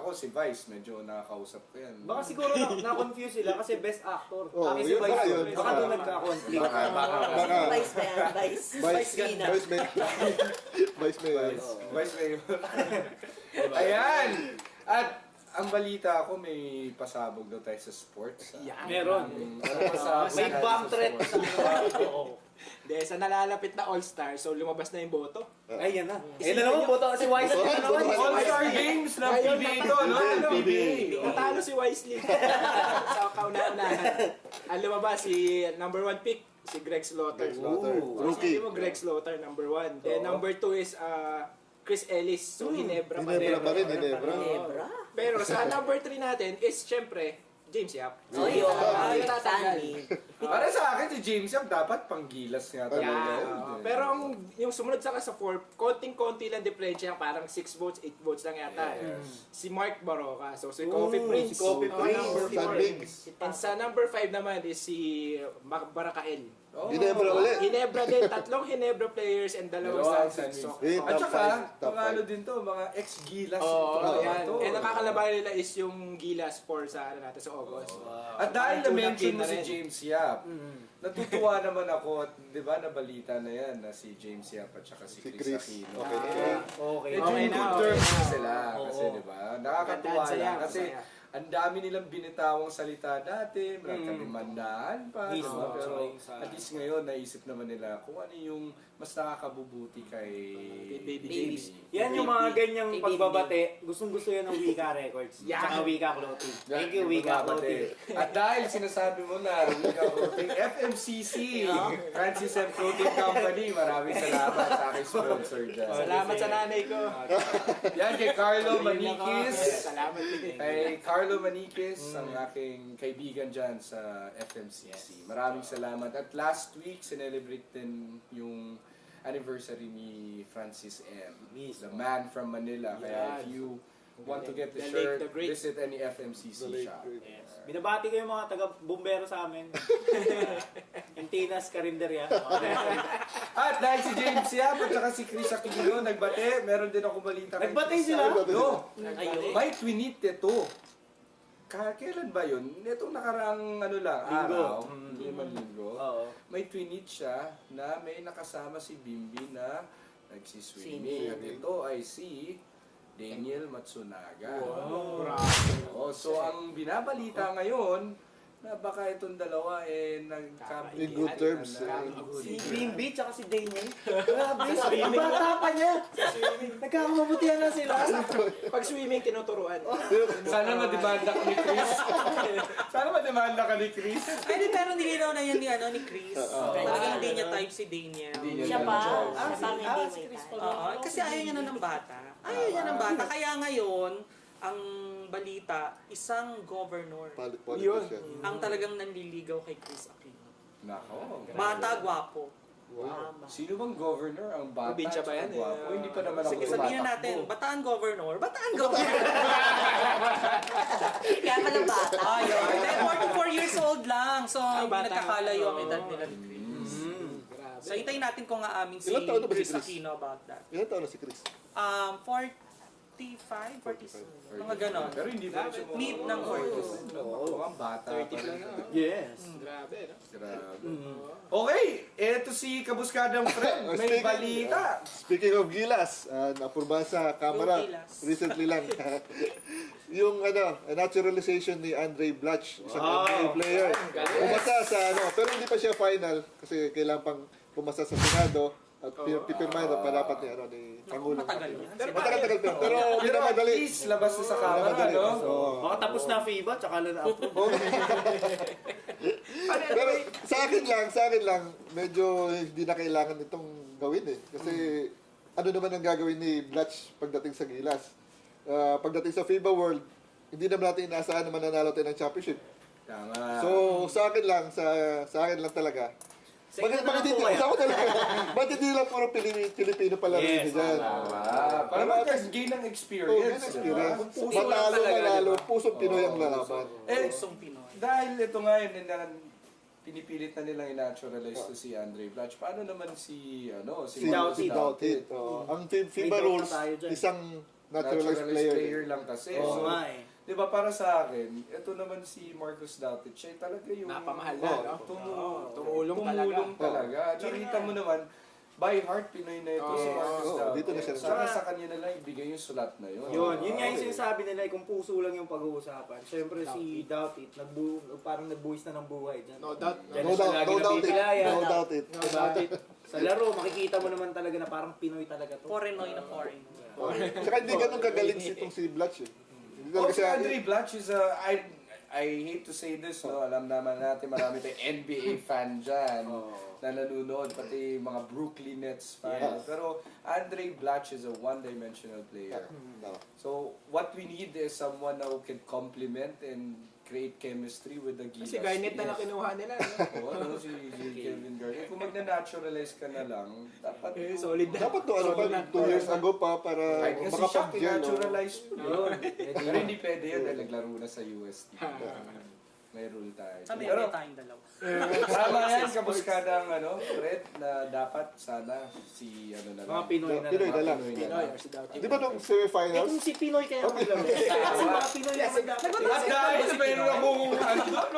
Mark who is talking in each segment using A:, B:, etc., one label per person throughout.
A: Ako si Vice, medyo nakakausap ko yan.
B: Baka siguro na-confuse sila kasi best actor.
C: Oh,
B: Kasi
C: yun
B: Vice
C: ba yun?
B: Baka doon nagka-conflict.
C: Baka.
D: Vice ba yan? Vice. Vice Gina.
C: Vice Mayor. Vice Mayor.
A: Vice Mayor. Ayan! At ang balita ko, may pasabog daw tayo sa sports.
B: Meron. May bomb threat.
E: Hindi, sa nalalapit na All-Star, so lumabas na yung boto.
B: Ay, yan na. Yan na naman, boto si Wise.
A: All-Star Games ng PBA ito, no? PBA.
E: Natalo si Wisely. Sa kauna-unahan. Ang lumabas, si number 1 pick, si Greg Slaughter.
C: Rookie.
E: Sabi mo, Greg Slaughter, number 1. Then number 2 is Chris Ellis. So, Hinebra pa
C: Hinebra pa rin, Hinebra.
D: Hebra.
E: Pero sa number 3 natin is, syempre, James Yap.
D: Oh, yun.
E: Ay,
D: Stanley.
A: Para sa akin, si James Yap dapat panggilas nga talaga.
E: Yeah. Pero yung sumunod sa 4, konting-konti lang diferensya, parang 6 votes, 8 votes lang yata. Si Mark Baroka. So, si Coffee Prince.
B: si Coffee Prince.
E: Number
C: San
E: 4.
C: Miguel.
E: And sa number 5 naman is si Mac Barakael.
C: Hinebra ulit.
E: Hinebra din, 3 Hinebra players and 2
A: Dalawang
E: San
A: San
E: Francisco.
A: At
C: Top
A: saka,
C: five, top
A: mga ano
C: five.
A: din to, mga ex-gilas.
E: Oo, yan.
A: to.
E: And nakakalaban nila is yung Gilas for sa natin sa August.
A: At dahil na-mention mo
E: na
A: si
E: rin.
A: James Yap, natutuwa naman ako, at di ba nabalita na yan na si James Yap at saka si
C: Si
A: Chris
C: Chris.
A: Aquino.
C: Okay na.
B: Okay.
A: Medyo
E: Okay
A: in
E: na,
A: good
E: okay
A: terms
E: na.
A: na sila.
B: Oo.
A: Kasi di ba, nakakatuwa
E: Masaya,
A: lang. Kasi
E: masaya.
A: ang dami nilang binitawang salita dati, nagkadimandaan pa, di ba?
B: Mismo.
A: Pero
B: Sa-
A: at least ngayon, naisip naman nila kung ano yung mas nakakabubuti kay
E: Baby
D: James.
B: Yan yung mga ganyang
D: Baby.
B: pagbabate. Gustong-gusto yan ng Wika Records. Tsaka Wika Clothing. Thank you, Wika Clothing.
A: At dahil sinasabi mo na, Wika Clothing, FMCC, Francis M. Clothing Company, maraming salamat sa aking sponsor dyan.
E: Salamat sa nanay ko.
A: Yan kay Carlo Maniquis.
E: Salamat din.
A: Kay Carlo Maniquis, ang aking kaibigan dyan sa FMCC. Maraming salamat. At last week, sinelebrate din yung anniversary ni Francis M. The man from Manila. Kaya if you want to get the
E: The
A: shirt,
E: late, the great.
A: visit any FMCC shop.
B: Yes. Binabati ko yung mga taga-bumbero sa amin. Antinas, Karinderya.
A: At dahil si James Yap at saka si Chris Aquino nagbate, meron din ako balita kay
B: Nagbate
A: Chris
B: sila?
A: Aquino.
D: Ayun.
A: May tweet ito. Kailan ba yun? Itong nakaraang ano lang,
B: Linggo.
A: araw, hindi man linggo.
B: Oo.
A: May tweet siya na may nakasama si Bimbi na nagsiswimming. At ito ay si Daniel Matsunaga. Oh, so ang binabalita ngayon na baka itong dalawa
C: In good terms.
B: Si Bimbi tsaka si Daniel. Grabe, ang bata pa niya. Nagkakamabutihan na sila.
E: Pag swimming, tinuturuan.
A: Sana mademanda ka ni Chris. Sana mademanda ka ni Chris.
F: Ay, di, pero nilinaw na yan ni Chris. Talagang hindi niya type si Daniel.
A: Hindi niya
D: Siya pa.
A: na-choice.
D: Siya pa ang hindi may tayo.
F: Oo, kasi ayaw niya na ng bata. Ayaw niya ng bata. Kaya ngayon, ang balita, isang governor
C: Politician.
F: ang talagang nanliligaw kay Chris Aquino.
A: Nako.
F: Bata, gwapo.
D: Tama.
A: Sino bang governor ang bata?
E: Probinsya ba yan?
A: Gwapo? Hindi pa naman ako
F: Sige, sabihin na natin, bataan governor. Bataan governor.
D: Kaya pala bata.
F: Ayun. Then, 44 years old lang. So, hindi
E: bata.
F: nagkakalayo ang edad nila ni Chris. So, hintayin natin kung aamin si
C: Ilang taon na ba si
F: Chris
C: Chris?
F: Aquino about that.
C: Ilan taon na si Chris?
F: 45, 46. Mga ganon.
A: Pero hindi pa rin siya mukhang-
F: Mid ng 40s.
A: Mukhang bata.
E: 30
A: pa
E: lang
A: rin.
E: na.
B: Yes.
E: Grabe, no?
A: Grabe. Okay, eto si Kabuskadang Friend. May
C: Speaking-
A: balita.
C: Speaking of Gilas, napurbahan sa Kamara
F: Go Gilas.
C: recently lang. Yung naturalization ni Andre Blatch, isang NBA player. Pumasa sa pero hindi pa siya final kasi kailangan pang pumasa sa Senado at pipirmahan na dapat ni Pangulo.
F: Matagal yan.
C: Matagal pero
A: Pero
C: minamadali.
A: at least labas na sa kamera,
C: Minamadali.
A: no?
C: Oo.
B: Baka tapos na FIBA, tsaka lang na-approve.
C: Pero sa akin lang, medyo hindi na kailangan itong gawin eh. Kasi ano naman ang gagawin ni Blatch pagdating sa Gilas? Pagdating sa FIBA World, hindi naman natin inaasahan na mananalo tayo ng championship.
A: Tama.
C: So, sa akin lang talaga. Bakit hindi
B: kaya?
C: sa ako talaga? Bakit hindi lang puro Pilipino pala rin
B: Yes,
C: dyan?
A: Para mag-gain ng
C: Oh,
A: experience.
C: experience.
A: Diba? Puso lang
C: Matalo,
A: talaga,
C: manalo,
A: diba?
C: pusong Pinoy ang lalaban.
A: Eh,
F: Pusong Pinoy.
A: dahil ito nga yun, pinipilit na nilang i-naturalize to si Andre Blatch. Paano naman si
C: Si Doughty. Ang FIBA
B: May doubt
C: rules,
B: na tayo dyan.
C: isang naturalized player.
A: lang kasi.
B: Oo
A: So,
B: nga eh.
A: di ba para sa akin, ito naman si Marcus Dautic, siya talaga yung
E: Napamahal na, no?
A: tumulong talaga. At saka kita mo naman, by heart, Pinoy na ito si Marcus Dautic.
C: dito na siya.
A: Sana sa kanya na lang ibigay yung sulat na yun.
B: Yun nga yung sinasabi nila, kung puso lang yung pag-uusapan. Siyempre si Doughty, parang nagbuwis na ng buhay dyan.
E: No doubt.
B: Diyan
C: No
B: na siya
C: doubt,
B: lagi
C: no doubt it.
B: napipilayan.
C: No doubt it.
B: Diba? Sa laro, makikita mo naman talaga na parang Pinoy talaga to.
F: Porenoy na foreign.
C: Saka hindi ganun kagaling itong si Blatch eh. Hindi talaga
A: Si
C: siya,
A: Andre Blatch is I hate to say this, no? Alam naman natin marami tayong NBA fan dyan na nanonood, pati mga Brooklyn Nets fan. Pero Andre Blatch is a one-dimensional player.
C: no.
A: So, what we need is someone who can complement and create chemistry with the Gilas.
E: Si Garnett na lang kinuha nila. No?
A: Oo, ano, si Kevin Garnett. Kung magna-naturalize ka na lang, dapat
E: Solid na.
C: Dapat to, ano pa, 2 years ago pa para
A: kahit kasi siya
C: makapag-gel. no?
A: naturalize
B: Yun.
A: Pero hindi pwede yun dahil naglaro na sa UST. May rule tayo.
F: Sabi
A: Pero
F: may tayong dalawa.
A: tama yan, kabuskadang Fred, na dapat sana si ano na lang.
B: Mga Pinoy na
C: Pinoy
B: lang.
C: na lang.
E: Pinoy or si Doughty.
C: Di ba nung
B: Eh
C: semi-finals?
B: kung si Pinoy kaya maglaro. Kasi mga Pinoy naman dapat.
A: At dahil meron akong no?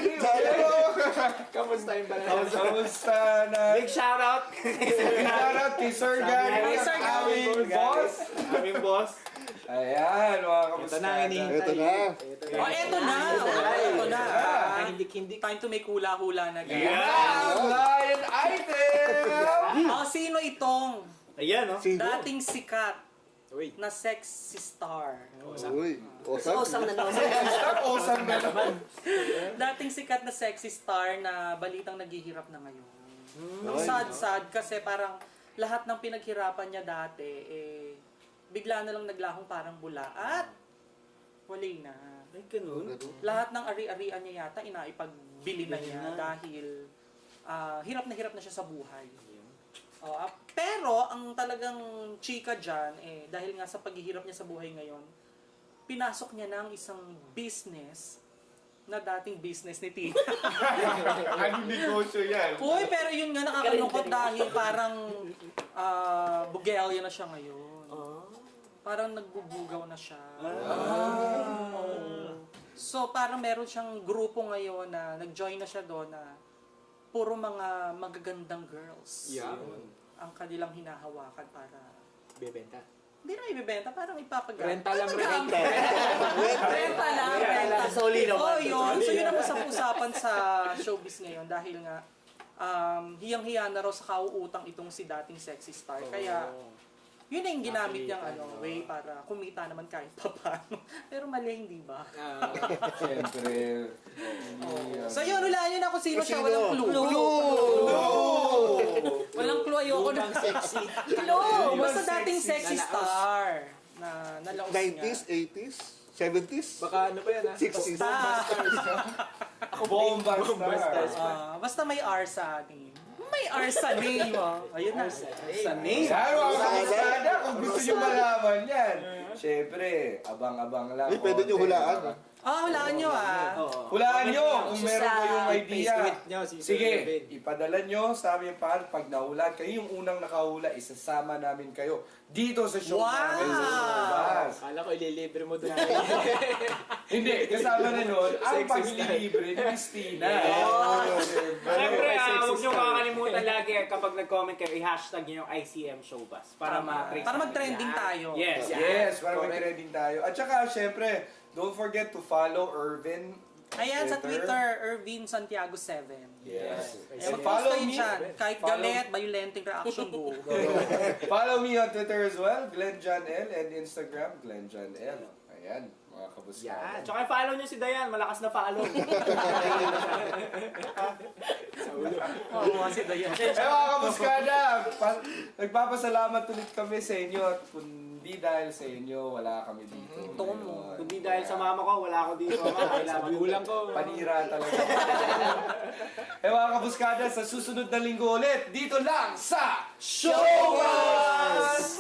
E: Kamusta yung balance?
A: Kamusta na?
B: Big shoutout!
A: Shoutout kay Sir Gary,
F: Hi, Sir Gary.
A: aming boss.
B: Aming boss.
A: Ayan, mga kamusta.
E: Ito na, hinihintay.
C: Ito na.
F: Oh, eto na! Eto na!
E: Hindi.
F: Time to make hula-hula na guys.
A: Blind item!
F: Oh, sino itong
B: Ayan, no?
F: dating sikat
E: Uy.
F: na sexy star?
C: Uy, awesome.
D: Osang na naman.
A: Awesome na naman.
F: Dating sikat na sexy star na balitang naghihirap na ngayon. Ang sad-sad kasi parang lahat ng pinaghirapan niya dati, bigla na lang naglahong parang bula at wala na.
B: Ay, ganun.
F: Lahat ng ari-arian niya yata inaipagbili na niya dahil hirap na siya sa buhay. Pero ang talagang chika dyan, dahil nga sa paghihirap niya sa buhay ngayon, pinasok niya na ang isang business na dating business ni Tina.
A: Anong negosyo yan?
F: Uy, pero yun nga nakakalungkot dahil parang bugelya na siya ngayon. Parang nagbubugaw na siya. So parang meron siyang grupo ngayon na nag-join na siya doon na puro mga magagandang girls.
E: Yeah.
F: Ang kanilang hinahawakan para
E: Bebenta.
F: hindi na ibebenta, parang ipapagamit.
E: Renta lang,
F: Renta lang, renta.
B: Solid naman.
F: Oh, yun. So yun ang usap-usapan sa showbiz ngayon dahil nga hiyang-hiya na raw sa kauutang itong si dating sexy star. Kaya yun na yung ginamit niyang way para kumita naman kahit papaano. Pero mali, hindi ba?
A: Siyempre.
F: So yun, hulaan nyo na kung sino siya. Walang clue. Walang clue. Ayoko na.
E: Sexy.
F: Clue! Basta dating sexy star. Na nalaos niya.
C: 90s, 80s, 70s?
E: Baka ano pa yan, ha?
C: 60s?
A: Bomba
E: Stars.
F: Basta may R sa name. May R sa name. Ayun na.
B: Sa name.
A: Saro ang kamuskada kung gusto nyo malaman yan. Siyempre, abang-abang lang.
C: Ay, pwede nyo hulaan.
F: Hulaan nyo
A: Hulaan nyo kung
D: Issue
A: meron
D: sa
A: kayong idea.
E: Facebook nyo, si Sir
A: Sige,
E: David.
A: ipadala nyo sa aming pangalan. Pag nahulaan kayo, yung unang nakahula, isasama namin kayo dito sa show
F: Wow!
A: namin sa Lumabas.
E: Akala ko ililibre mo doon.
A: Hindi, kasama na nun, ang
E: Sexy
A: paglilibre ni Christina.
B: Siyempre,
E: Sexy
B: huwag niyo
E: star.
B: kakalimutan lagi kapag nag-comment kayo, i-hashtag niyo yung ICM Showbus para ma-trace.
F: Para mag-trending tayo.
B: Yes.
A: Yes, para mag-trending tayo. At saka, syempre, don't forget to follow Irvin.
F: Ayan, sa Twitter, Irvin Santiago 7.
A: Yes.
F: And
A: And follow
F: kayo
A: me.
F: dyan. Kahit
A: Follow-
F: galit, violenting reaction go.
A: Follow me on Twitter as well, Glenn John L, and Instagram, Glenn John L. Ayan, mga kabuskada.
B: Tsaka follow niyo si Dayan, malakas na follow.
F: Oo, si Dayan.
A: Eh mga kabuskada, nagpapasalamat ulit kami sa inyo at kundi dahil sa inyo, wala kami dito.
F: Tomo.
B: Kundi dahil sa mama ko, wala ako dito.
E: Sa magulang ko.
A: Panira talaga. Eh mga kabuskada, sa susunod na linggo ulit, dito lang sa Showbiz!